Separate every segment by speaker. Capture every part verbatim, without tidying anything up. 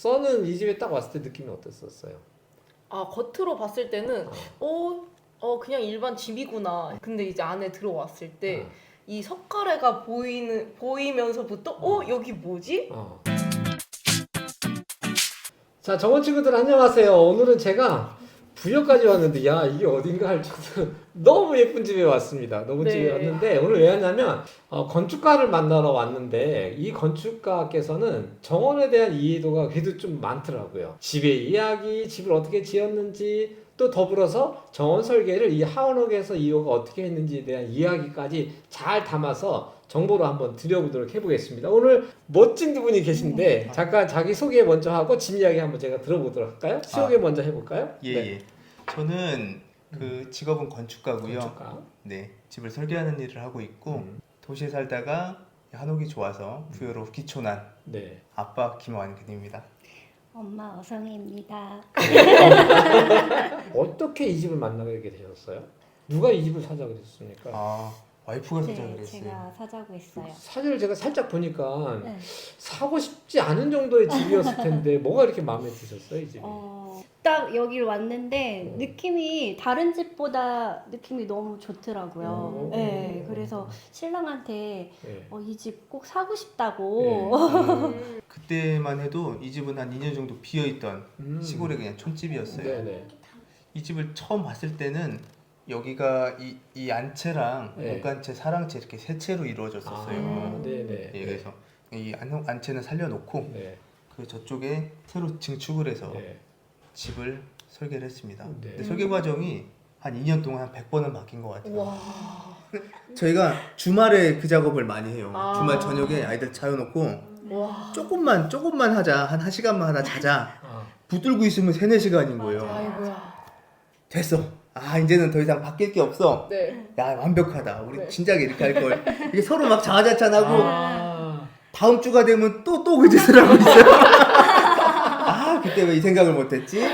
Speaker 1: 써는 이 집에 딱 왔을 때 느낌이 어땠었어요?
Speaker 2: 아, 겉으로 봤을 때는 어, 어 그냥 일반 집이구나. 근데 이제 안에 들어왔을 때 이
Speaker 1: 어.
Speaker 2: 석가래가 보이는 보이면서부터 어,
Speaker 1: 어.
Speaker 2: 여기 뭐지?
Speaker 1: 어. 자, 정원 친구들 안녕하세요. 오늘은 제가 부여까지 왔는데 야 이게 어딘가 할 정도로 너무 예쁜 집에 왔습니다. 너무
Speaker 2: 네.
Speaker 1: 집에 왔는데 오늘 왜 왔냐면 어, 건축가를 만나러 왔는데 이 건축가께서는 정원에 대한 이해도가 그래도 좀 많더라고요. 집의 이야기, 집을 어떻게 지었는지 또 더불어서 정원 설계를 이 하원옥에서 이호가 어떻게 했는지에 대한 이야기까지 잘 담아서 정보로 한번 드려보도록 해보겠습니다. 오늘 멋진 두 분이 계신데 잠깐 자기 소개 먼저 하고 집 이야기 한번 제가 들어보도록 할까요? 소개
Speaker 3: 아,
Speaker 1: 먼저 해볼까요?
Speaker 3: 예,
Speaker 1: 네.
Speaker 3: 예. 저는 그 직업은 건축가고요.
Speaker 1: 건축가.
Speaker 3: 네, 집을 설계하는 일을 하고 있고
Speaker 1: 음.
Speaker 3: 도시에 살다가 한옥이 좋아서 부여로 귀촌한
Speaker 1: 네.
Speaker 3: 아빠 김완근입니다.
Speaker 4: 엄마 어성입니다.
Speaker 1: 어떻게 이 집을 만나게 되셨어요? 누가 이 집을 사자 그랬습니까?
Speaker 3: 아, 와이프가 사자
Speaker 4: 네,
Speaker 3: 그랬어요.
Speaker 4: 제가 사자고 했어요.
Speaker 1: 사진을 제가 살짝 보니까
Speaker 4: 네.
Speaker 1: 사고 싶지 않은 정도의 집이었을 텐데 뭐가 이렇게 마음에 드셨어요, 이 집이?
Speaker 4: 어, 딱 여기를 왔는데
Speaker 1: 어.
Speaker 4: 느낌이 다른 집보다 느낌이 너무 좋더라고요.
Speaker 1: 어.
Speaker 4: 네, 그래서 신랑한테
Speaker 1: 네.
Speaker 4: 어, 이 집 꼭 사고 싶다고.
Speaker 2: 음,
Speaker 3: 그때만 해도 이 집은 한 이 년 정도 비어있던
Speaker 1: 음.
Speaker 3: 시골의 그냥 촌집이었어요.
Speaker 1: 네네.
Speaker 3: 이 집을 처음 봤을 때는 여기가 이, 이 안채랑
Speaker 1: 네.
Speaker 3: 옷간채, 사랑채 이렇게 세 채로 이루어졌었어요.
Speaker 1: 아, 네네.
Speaker 3: 예, 그래서 이 안, 안채는 살려놓고
Speaker 1: 네.
Speaker 3: 그 저쪽에 새로 증축을 해서
Speaker 1: 네.
Speaker 3: 집을 설계를 했습니다.
Speaker 1: 네.
Speaker 3: 근데 설계 과정이 한 이 년 동안 한 백 번은 바뀐 것 같아요.
Speaker 2: 와.
Speaker 3: 저희가 주말에 그 작업을 많이 해요.
Speaker 2: 아.
Speaker 3: 주말 저녁에 아이들 자여놓고
Speaker 2: 와.
Speaker 3: 조금만 조금만 하자. 한 1시간만 하다 자자.
Speaker 1: 아,
Speaker 3: 붙들고 있으면 세네 시간인 거예요.
Speaker 2: 아이고야.
Speaker 3: 됐어. 아 이제는 더 이상 바뀔 게 없어.
Speaker 2: 네.
Speaker 3: 야 완벽하다. 우리
Speaker 2: 네.
Speaker 3: 진작에 이렇게 할 걸. 이게 서로 막 자화자찬하고
Speaker 1: 아.
Speaker 3: 다음 주가 되면 또 또 그 짓을 하고 있어요. 아 그때 왜 이 생각을 못했지?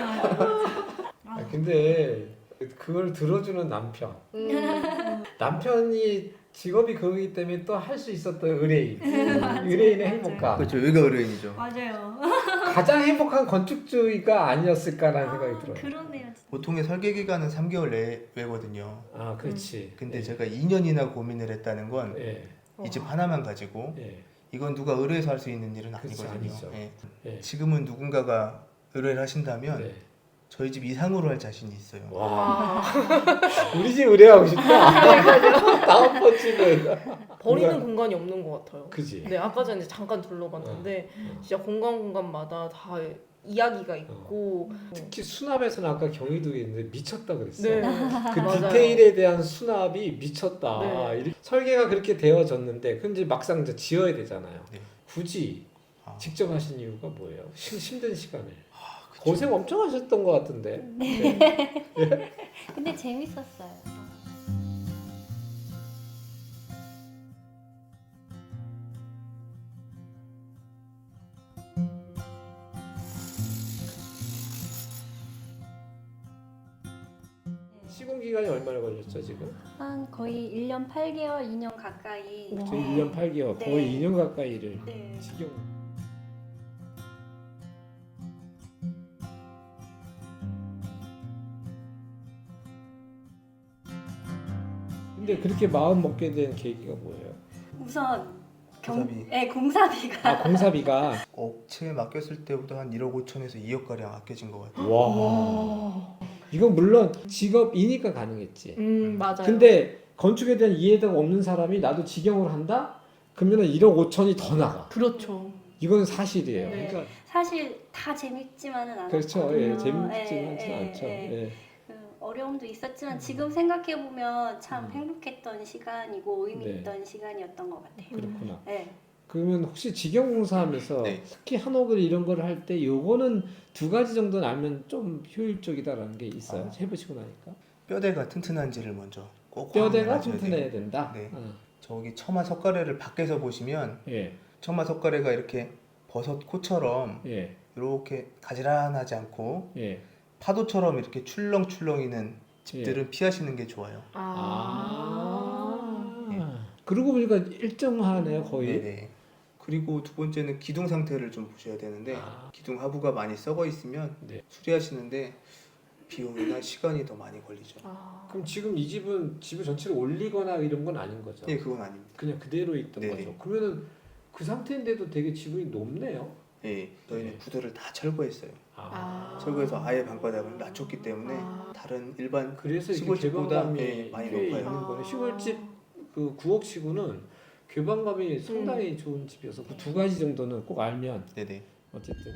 Speaker 1: 아, 근데 그걸 들어주는 남편.
Speaker 2: 음.
Speaker 1: 남편이 직업이 그거기 때문에 또 할 수 있었던 의뢰인.
Speaker 4: 맞아요.
Speaker 1: 의뢰인의
Speaker 4: 맞아요.
Speaker 1: 행복감.
Speaker 3: 그렇죠. 여기가 의뢰인이죠.
Speaker 4: 맞아요.
Speaker 1: 가장 행복한 건축주의가 아니었을까라는 생각이 들어요.
Speaker 4: 그러네요.
Speaker 3: 보통의 설계 기간은 삼 개월 내외거든요.
Speaker 1: 아, 그렇지.
Speaker 3: 근데
Speaker 1: 예.
Speaker 3: 제가 이 년이나 고민을 했다는 건 이
Speaker 1: 예.
Speaker 3: 집 하나만 가지고
Speaker 1: 예.
Speaker 3: 이건 누가 의뢰해서 할 수 있는 일은
Speaker 1: 그렇지,
Speaker 3: 아니거든요.
Speaker 1: 아니죠.
Speaker 3: 예.
Speaker 1: 예.
Speaker 3: 지금은 누군가가 의뢰를 하신다면
Speaker 1: 네.
Speaker 3: 저희 집 이상으로 할 자신이 있어요.
Speaker 1: 와.
Speaker 2: 와.
Speaker 1: 우리 집 의뢰하고 싶다. 다음 번 집은.
Speaker 2: 버리는
Speaker 1: 공간-
Speaker 2: 공간이 없는 것 같아요.
Speaker 1: 그지.
Speaker 2: 네, 아까 전에 잠깐 둘러봤는데
Speaker 1: 어.
Speaker 2: 진짜 공간 공간마다 다 이야기가 있고.
Speaker 1: 특히 수납에서는 아까 경희도에 있는데 미쳤다 그랬어.
Speaker 2: 네.
Speaker 1: 그
Speaker 2: 맞아요.
Speaker 1: 디테일에 대한 수납이 미쳤다.
Speaker 2: 네.
Speaker 1: 이렇게 설계가 그렇게 되어졌는데 근데 막상 이제 지어야 되잖아요.
Speaker 3: 네.
Speaker 1: 굳이
Speaker 3: 아,
Speaker 1: 직접 하신 이유가 뭐예요? 시, 힘든 시간에
Speaker 3: 아, 그쵸.
Speaker 1: 고생 엄청 하셨던 것 같은데. 네.
Speaker 4: 근데 재밌었어요.
Speaker 1: 시공 기간이 얼마나 걸렸죠 지금?
Speaker 4: 한 거의 일 년 팔 개월, 이 년 가까이.
Speaker 2: 와.
Speaker 1: 저 일 년 팔 개월,
Speaker 4: 네.
Speaker 1: 거의 이 년 가까이를
Speaker 4: 네.
Speaker 1: 직영. 근데 그렇게 마음 먹게 된 계기가 뭐예요?
Speaker 4: 우선 경,
Speaker 3: 공사비.
Speaker 4: 네, 공사비가
Speaker 1: 아 공사비가
Speaker 3: 업체에 맡겼을 때보다 한 일억 오천에서 이억 가량 아껴진 것 같아요.
Speaker 1: 와.
Speaker 2: 와.
Speaker 1: 이건 물론 직업이니까 가능했지.
Speaker 2: 음, 맞아요.
Speaker 1: 근데 건축에 대한 이해도가 없는 사람이 나도 직영을 한다? 그러면 일억 오천이 더 나가.
Speaker 2: 그렇죠.
Speaker 1: 이건 사실이에요.
Speaker 2: 네.
Speaker 1: 그러니까
Speaker 4: 사실 다 재밌지만은 않았거든요.
Speaker 1: 그렇죠. 예, 재밌지는
Speaker 4: 예, 예,
Speaker 1: 않죠.
Speaker 4: 예.
Speaker 1: 예.
Speaker 4: 그 어려움도 있었지만 지금 생각해 보면 참
Speaker 1: 음.
Speaker 4: 행복했던 시간이고 의미
Speaker 1: 네.
Speaker 4: 있던 시간이었던 것 같아요.
Speaker 1: 그렇구나.
Speaker 4: 네.
Speaker 1: 그러면 혹시 직영공사하면서
Speaker 3: 네.
Speaker 1: 특히 한옥을 이런 걸 할 때 요거는 두 가지 정도는 알면 좀 효율적이다라는 게 있어요.
Speaker 3: 아.
Speaker 1: 해보시고 나니까.
Speaker 3: 뼈대가 튼튼한지를 먼저 꼭
Speaker 1: 뼈대가
Speaker 3: 확인을 하셔야
Speaker 1: 튼튼해야
Speaker 3: 돼요.
Speaker 1: 된다.
Speaker 3: 네.
Speaker 1: 어.
Speaker 3: 저기 처마 석가래를 밖에서 보시면
Speaker 1: 예,
Speaker 3: 처마 석가래가 이렇게 버섯 코처럼
Speaker 1: 예,
Speaker 3: 이렇게 가지런하지 않고
Speaker 1: 예.
Speaker 3: 파도처럼 이렇게 출렁출렁이는 집들은 피하시는 게 좋아요.
Speaker 2: 아.
Speaker 1: 아. 그러고 보니까 일정하네요, 거의.
Speaker 3: 네네. 그리고 두 번째는 기둥 상태를 좀 보셔야 되는데
Speaker 1: 아.
Speaker 3: 기둥 하부가 많이 썩어 있으면
Speaker 1: 네.
Speaker 3: 수리하시는데 비용이나 시간이 더 많이 걸리죠.
Speaker 2: 아.
Speaker 1: 그럼 지금 이 집은 집을 전체를 올리거나 이런 건 아닌 거죠?
Speaker 3: 예, 그건 아닙니다.
Speaker 1: 그냥 그대로 있던
Speaker 3: 네네.
Speaker 1: 거죠. 그러면은 그 상태인데도 되게 지분이 높네요.
Speaker 3: 예, 저희는
Speaker 1: 네.
Speaker 3: 구조를 다 철거했어요.
Speaker 2: 아.
Speaker 3: 철거해서 아예 방바닥을 낮췄기 때문에
Speaker 2: 아.
Speaker 3: 다른 일반
Speaker 1: 그래서 이렇게
Speaker 3: 시골집보다
Speaker 1: 개방감이
Speaker 3: 예, 많이
Speaker 1: 꽤
Speaker 3: 높아요.
Speaker 1: 있는 거네. 시골집 그 구억 치고는 개방감이 상당히 좋은 집이어서 그 두 가지 정도는 꼭 알면
Speaker 3: 네네.
Speaker 1: 어쨌든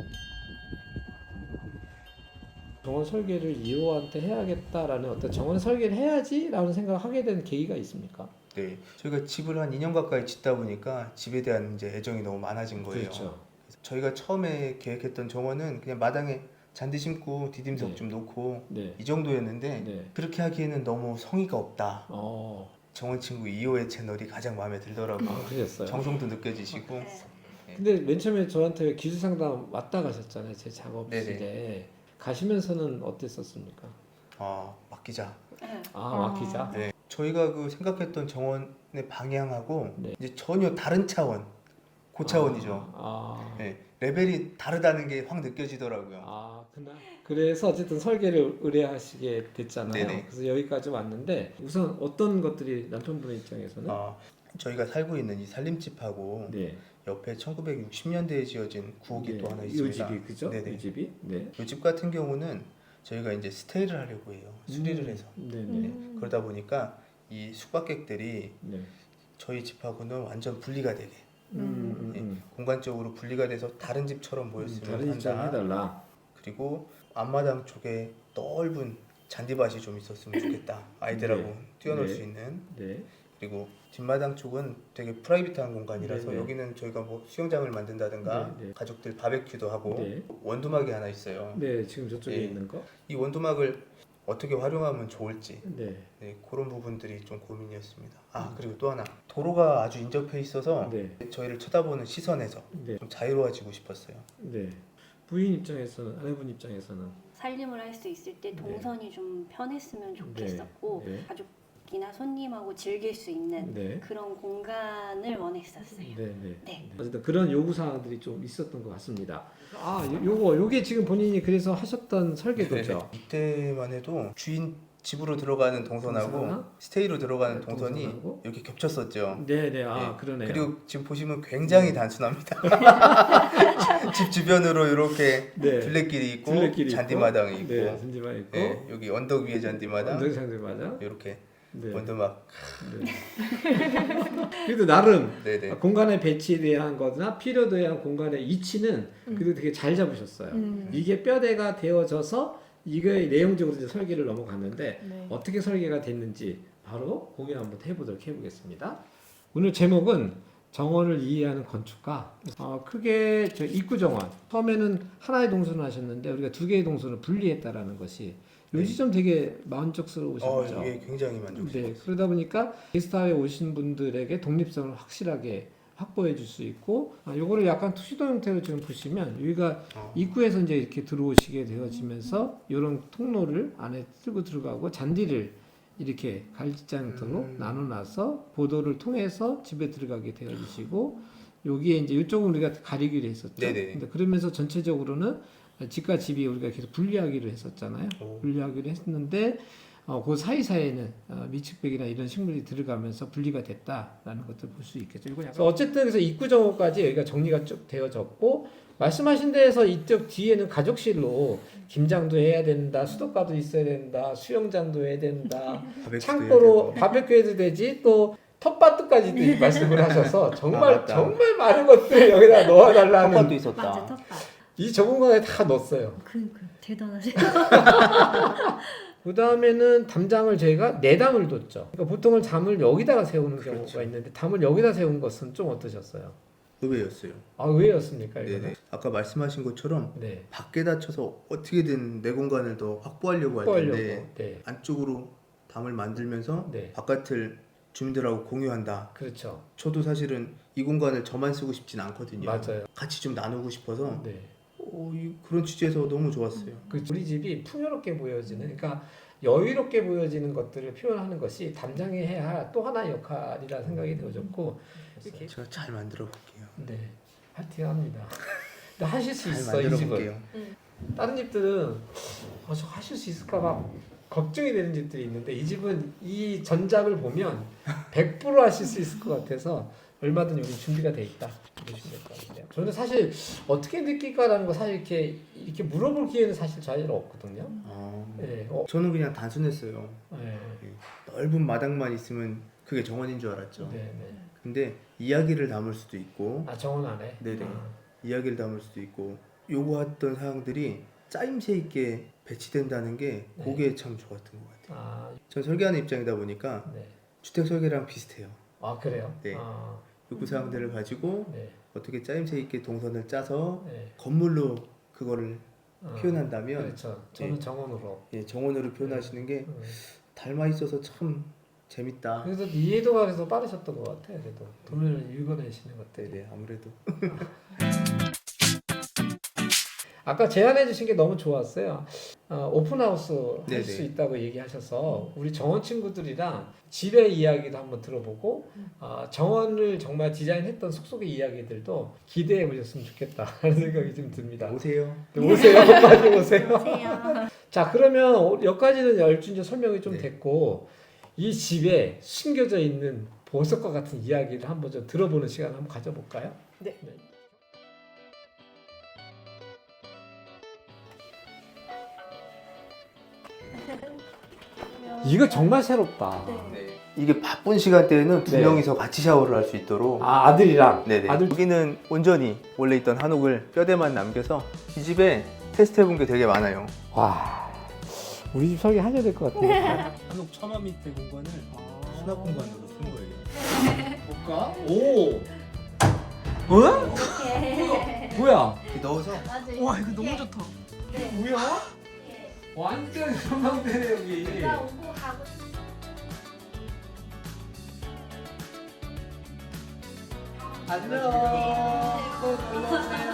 Speaker 1: 정원 설계를 이 호한테 해야겠다라는 어떤 정원 설계를 해야지라는 생각을 하게 된 계기가 있습니까?
Speaker 3: 네, 저희가 집을 한 이 년 가까이 짓다 보니까 집에 대한 이제 애정이 너무 많아진 거예요.
Speaker 1: 그렇죠.
Speaker 3: 저희가 처음에 계획했던 정원은 그냥 마당에 잔디 심고 디딤석
Speaker 1: 네.
Speaker 3: 좀 놓고
Speaker 1: 네.
Speaker 3: 이 정도였는데
Speaker 1: 네.
Speaker 3: 그렇게 하기에는 너무 성의가 없다.
Speaker 1: 어.
Speaker 3: 정원 친구 이 호의 채널이 가장 마음에 들더라고요.
Speaker 1: 아, 그러셨어요.
Speaker 3: 정성도 느껴지시고
Speaker 4: 네.
Speaker 1: 근데 맨 처음에 저한테 기술 상담 왔다 가셨잖아요. 제 작업실에.
Speaker 3: 네네.
Speaker 1: 가시면서는 어땠었습니까?
Speaker 3: 아, 맡기자.
Speaker 4: 네.
Speaker 1: 아,
Speaker 2: 아.
Speaker 1: 막히자.
Speaker 3: 네, 저희가 그 생각했던 정원의 방향하고
Speaker 1: 네.
Speaker 3: 이제 전혀 다른 차원, 그 차원이죠.
Speaker 1: 아.
Speaker 3: 네, 레벨이 다르다는 게 확 느껴지더라고요.
Speaker 1: 아, 그날. 그래서 어쨌든 설계를 의뢰하시게 됐잖아요.
Speaker 3: 네네.
Speaker 1: 그래서 여기까지 왔는데 우선 어떤 것들이 남편분 입장에서는
Speaker 3: 아, 저희가 살고 있는 이 살림집하고
Speaker 1: 네.
Speaker 3: 옆에 천구백육십 년대에 지어진 구옥이
Speaker 1: 네.
Speaker 3: 또 하나
Speaker 1: 이
Speaker 3: 있습니다.
Speaker 1: 집이 그죠?
Speaker 3: 네네.
Speaker 1: 이 집이. 네.
Speaker 3: 이 집 같은 경우는 저희가 이제 스테이를 하려고 해요. 수리를
Speaker 1: 음.
Speaker 3: 해서.
Speaker 1: 네네.
Speaker 2: 음.
Speaker 3: 그러다 보니까 이 숙박객들이
Speaker 1: 네.
Speaker 3: 저희 집하고는 완전 분리가 되게
Speaker 1: 음, 음,
Speaker 3: 네,
Speaker 1: 음.
Speaker 3: 공간적으로 분리가 돼서 다른 집처럼
Speaker 1: 음,
Speaker 3: 보였으면
Speaker 1: 다른 입장
Speaker 3: 한다.
Speaker 1: 해달라.
Speaker 3: 그리고 앞마당 쪽에 넓은 잔디밭이 좀 있었으면 좋겠다. 아이들하고
Speaker 1: 네.
Speaker 3: 뛰어놀
Speaker 1: 네.
Speaker 3: 수 있는.
Speaker 1: 네.
Speaker 3: 그리고 뒷마당 쪽은 되게 프라이빗한 공간이라서
Speaker 1: 네, 네.
Speaker 3: 여기는 저희가 뭐 수영장을 만든다든가
Speaker 1: 네, 네.
Speaker 3: 가족들 바베큐도 하고
Speaker 1: 네.
Speaker 3: 원두막이 하나 있어요.
Speaker 1: 네, 지금 저쪽에
Speaker 3: 예.
Speaker 1: 있는 거.
Speaker 3: 이 원두막을 어떻게 활용하면 좋을지
Speaker 1: 네.
Speaker 3: 네, 그런 부분들이 좀 고민이었습니다. 아 그리고 또 하나 도로가 아주 인접해 있어서
Speaker 1: 네.
Speaker 3: 저희를 쳐다보는 시선에서
Speaker 1: 네.
Speaker 3: 좀 자유로워지고 싶었어요.
Speaker 1: 네. 부인 입장에서는 아내분 입장에서는
Speaker 4: 살림을 할 수 있을 때 동선이 좀 편했으면 좋겠었고
Speaker 1: 네.
Speaker 4: 가족이나 손님하고 즐길 수 있는
Speaker 1: 네.
Speaker 4: 그런 공간을 원했었어요.
Speaker 1: 네, 네.
Speaker 4: 네.
Speaker 1: 어쨌든 그런 요구 사항들이 좀 있었던 것 같습니다. 아, 요, 요거 요게 지금 본인이 그래서 하셨던 설계도죠.
Speaker 3: 이때만 해도 주인 집으로 들어가는 동선하고
Speaker 1: 동선하고
Speaker 3: 스테이로 들어가는
Speaker 1: 네,
Speaker 3: 동선이
Speaker 1: 동선하고
Speaker 3: 이렇게 겹쳤었죠.
Speaker 1: 네, 네. 아,
Speaker 3: 예.
Speaker 1: 그러네요.
Speaker 3: 그리고 지금 보시면 굉장히 단순합니다. 집 주변으로 이렇게
Speaker 1: 네.
Speaker 3: 둘레길이 있고
Speaker 1: 둘레길이
Speaker 3: 잔디마당이 있고
Speaker 1: 네, 잔디마당 있고.
Speaker 3: 예, 여기 언덕 위에 잔디마당
Speaker 1: 언덕 잔디마당.
Speaker 3: 이렇게
Speaker 1: 네.
Speaker 3: 원두막
Speaker 1: 네. 그래도 나름
Speaker 3: 네네
Speaker 1: 공간의 배치에 대한 거나 필요도에 대한 공간의 이치는 그래도 되게 잘 잡으셨어요.
Speaker 2: 음.
Speaker 1: 이게 뼈대가 되어져서 이게 내용적으로 이제 설계를 넘어갔는데
Speaker 2: 네.
Speaker 1: 어떻게 설계가 됐는지 바로 공유 한번 해보도록 해보겠습니다. 오늘 제목은 정원을 이해하는 건축가. 어, 크게 저 입구 정원. 처음에는 하나의 동선을 하셨는데 우리가 두 개의 동선을 분리했다라는 것이 요 지점 되게
Speaker 3: 어,
Speaker 1: 만족스러우셨죠.
Speaker 3: 이게 굉장히 만족스러워요.
Speaker 1: 네, 그러다 보니까 게스트하우스에 오신 분들에게 독립성을 확실하게 확보해 줄 수 있고 아, 요거를 약간 투시도 형태로 지금 보시면 여기가
Speaker 3: 어.
Speaker 1: 입구에서 이제 이렇게 들어오시게 되어지면서 이런 통로를 안에 들고 들어가고 잔디를 이렇게 갈지장 형태로
Speaker 3: 음.
Speaker 1: 나눠놔서 보도를 통해서 집에 들어가게 되어지시고 여기에 이제 이쪽은 우리가 가리기로 했었죠.
Speaker 3: 네네.
Speaker 1: 근데 그러면서 전체적으로는 집과 집이 우리가 계속 분리하기로 했었잖아요.
Speaker 3: 오.
Speaker 1: 분리하기로 했는데 어, 그 사이사이에는 어, 밀축백이나 이런 식물이 들어가면서 분리가 됐다라는 것들 볼 수 있겠죠. 이건 약간 어쨌든 그래서 입구 정원까지 여기가 정리가 쭉 되어졌고 말씀하신 데에서 이쪽 뒤에는 가족실로 김장도 해야 된다, 수도가도 있어야 된다, 수영장도 해야 된다,
Speaker 3: 바베큐도
Speaker 1: 창고로
Speaker 3: 해야 되고.
Speaker 1: 바베큐 해도 되지 또 텃밭도까지도 말씀을 하셔서 정말
Speaker 3: 아, 맞다.
Speaker 1: 정말 많은 것들을 여기다 넣어달라는
Speaker 3: 텃밭도 있었다.
Speaker 4: 맞아, 텃밭.
Speaker 1: 이 좁은 공간에 다 넣었어요.
Speaker 4: 그, 그 대단하세요.
Speaker 1: 그 다음에는 담장을 저희가 네 담을 뒀죠. 그러니까 보통은 담을 여기다가 세우는
Speaker 3: 그렇죠.
Speaker 1: 경우가 있는데 담을 여기다 세운 것은 좀 어떠셨어요?
Speaker 3: 의외였어요.
Speaker 1: 아 의외였습니까? 이거는?
Speaker 3: 네네. 아까 말씀하신 것처럼
Speaker 1: 네.
Speaker 3: 밖에다 쳐서 어떻게든 내 공간을 더 확보하려고 할
Speaker 1: 확보하려고.
Speaker 3: 텐데
Speaker 1: 네.
Speaker 3: 안쪽으로 담을 만들면서
Speaker 1: 네.
Speaker 3: 바깥을 주민들하고 공유한다.
Speaker 1: 그렇죠.
Speaker 3: 저도 사실은 이 공간을 저만 쓰고 싶진 않거든요.
Speaker 1: 맞아요.
Speaker 3: 같이 좀 나누고 싶어서
Speaker 1: 네.
Speaker 3: 어, 이, 그런 취지에서 너무 좋았어요.
Speaker 1: 그 우리 집이 풍요롭게 보여지는, 그러니까 여유롭게 보여지는 것들을 표현하는 것이 담장이 해야 할 또 하나의 역할이라 생각이 되어졌고 이렇게
Speaker 3: 제가 잘 만들어 볼게요.
Speaker 1: 네. 파이팅 합니다. 근데 하실 수
Speaker 3: 잘
Speaker 1: 있어 이
Speaker 3: 만들어
Speaker 1: 집은.
Speaker 3: 볼게요.
Speaker 1: 다른 집들은 어, 저 하실 수 있을까 막 걱정이 되는 집들이 있는데 이 집은 이 전작을 보면 백 퍼센트 하실 수 있을 것 같아서 얼마든 여기 준비가 돼 있다 보시면 될 것 같아요. 저는 사실 어떻게 느낄까라는 거 사실 이렇게 이렇게 물어볼 기회는 사실 잘 없거든요.
Speaker 3: 아,
Speaker 1: 네, 어,
Speaker 3: 저는 그냥 단순했어요.
Speaker 1: 네,
Speaker 3: 넓은 마당만 있으면 그게 정원인 줄 알았죠.
Speaker 1: 네, 네.
Speaker 3: 근데 이야기를 담을 수도 있고
Speaker 1: 아 정원 안에.
Speaker 3: 네네.
Speaker 1: 아,
Speaker 3: 이야기를 담을 수도 있고 요구했던 사항들이 짜임새 있게 배치된다는 게
Speaker 1: 네.
Speaker 3: 그게 참 좋았던 것 같아요.
Speaker 1: 아,
Speaker 3: 전 설계하는 입장이다 보니까
Speaker 1: 네.
Speaker 3: 주택 설계랑 비슷해요.
Speaker 1: 아 그래요.
Speaker 3: 네.
Speaker 1: 아,
Speaker 3: 요구 사항들을 가지고
Speaker 1: 네,
Speaker 3: 어떻게 짜임새 있게 동선을 짜서
Speaker 1: 네.
Speaker 3: 건물로 그거를
Speaker 1: 어,
Speaker 3: 표현한다면
Speaker 1: 그렇죠. 저는
Speaker 3: 네.
Speaker 1: 정원으로.
Speaker 3: 예, 정원으로 표현하시는 게
Speaker 1: 음.
Speaker 3: 닮아 있어서 참 재밌다.
Speaker 1: 그래서 이해도가 그래서 빠르셨던 것 같아요. 그래도 돈을 읽어내시는 것들이.
Speaker 3: 네네 아무래도
Speaker 1: 아까 제안해 주신 게 너무 좋았어요. 어, 오픈하우스 할
Speaker 3: 네네.
Speaker 1: 수 있다고 얘기하셔서 우리 정원 친구들이랑 집의 이야기도 한번 들어보고 어, 정원을 정말 디자인했던 속속의 이야기들도 기대해 보셨으면 좋겠다라는 생각이 좀 듭니다.
Speaker 3: 오세요.
Speaker 1: 네, 오세요. 빨리 오세요.
Speaker 4: 안녕하세요.
Speaker 1: 자 그러면 여기까지는 열준 이제 설명이 좀
Speaker 3: 네.
Speaker 1: 됐고 이 집에 숨겨져 있는 보석과 같은 이야기를 한번 좀 들어보는 시간을 한번 가져볼까요?
Speaker 2: 네.
Speaker 1: 이거 정말 새롭다.
Speaker 4: 네.
Speaker 3: 이게 바쁜 시간대에는 두
Speaker 1: 네.
Speaker 3: 명이서 같이 샤워를 할 수 있도록
Speaker 1: 아 아들이랑
Speaker 3: 네네.
Speaker 1: 아들
Speaker 3: 여기는 온전히 원래 있던 한옥을 뼈대만 남겨서 이 집에 테스트해본 게 되게 많아요.
Speaker 1: 와 우리 집 설계 하셔야 될 것 같아요.
Speaker 3: 한옥 처마 밑에 공간을 수납 공간으로 쓴 거예요.
Speaker 1: 볼까? 오. 어?
Speaker 4: 이렇게
Speaker 1: 뭐야?
Speaker 3: 넣어서
Speaker 4: 맞아요.
Speaker 2: 와 이거 너무 좋다.
Speaker 4: 네.
Speaker 1: 뭐야?
Speaker 4: 이렇게
Speaker 1: 완전 전망대네 여기.
Speaker 4: 나 오고 가고
Speaker 1: 안녕. 또 놀러 오세요.